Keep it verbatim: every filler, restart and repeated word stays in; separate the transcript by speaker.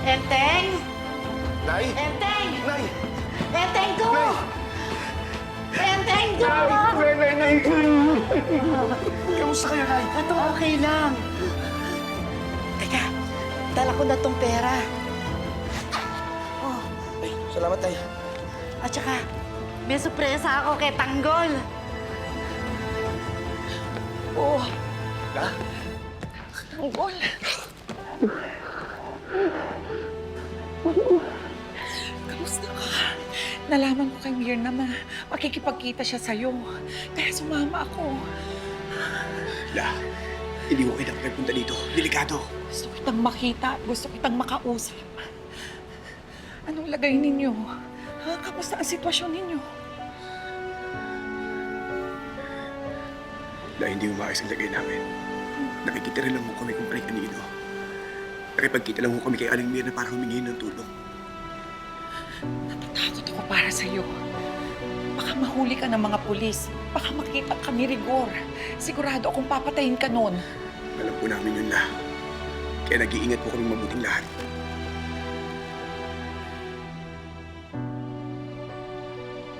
Speaker 1: Enteng!
Speaker 2: Nay!
Speaker 1: Enteng!
Speaker 2: Nay!
Speaker 1: Enteng ko!
Speaker 2: Nay!
Speaker 1: Enteng ko!
Speaker 2: Nay! Nay! Nay! Kamusta kayo, Nay?
Speaker 1: Ito, okay lang. Teka, dala ko na tong pera. Oh,
Speaker 2: Ay, salamat, Nay.
Speaker 1: at saka, may sorpresa ako kay Tanggol.
Speaker 3: Oh,
Speaker 2: Ha?
Speaker 3: Tanggol. Kamusta ka? Nalaman ko kay Mirna na makikipagkita siya sa'yo. Kaya sumama ako.
Speaker 2: La, hindi ko kayo punta dito. Delikado.
Speaker 3: Gusto kitang makita at gusto kitang makausap. Anong lagay ninyo? Ha? Kamusta ang sitwasyon ninyo?
Speaker 2: La, hindi umayos ang lagay namin. Nakikita rin lang mo kami kung kanino. Nakipagkita lang mo kami kay Aling Mirna para humingi ng tulong.
Speaker 3: Natatakot ako para sa'yo. Baka mahuli ka ng mga pulis. Baka makita ka ni Rigor. Sigurado akong papatayin ka noon.
Speaker 2: Alam po namin yun, La. Kaya nag-iingat po kami mabuting lahat.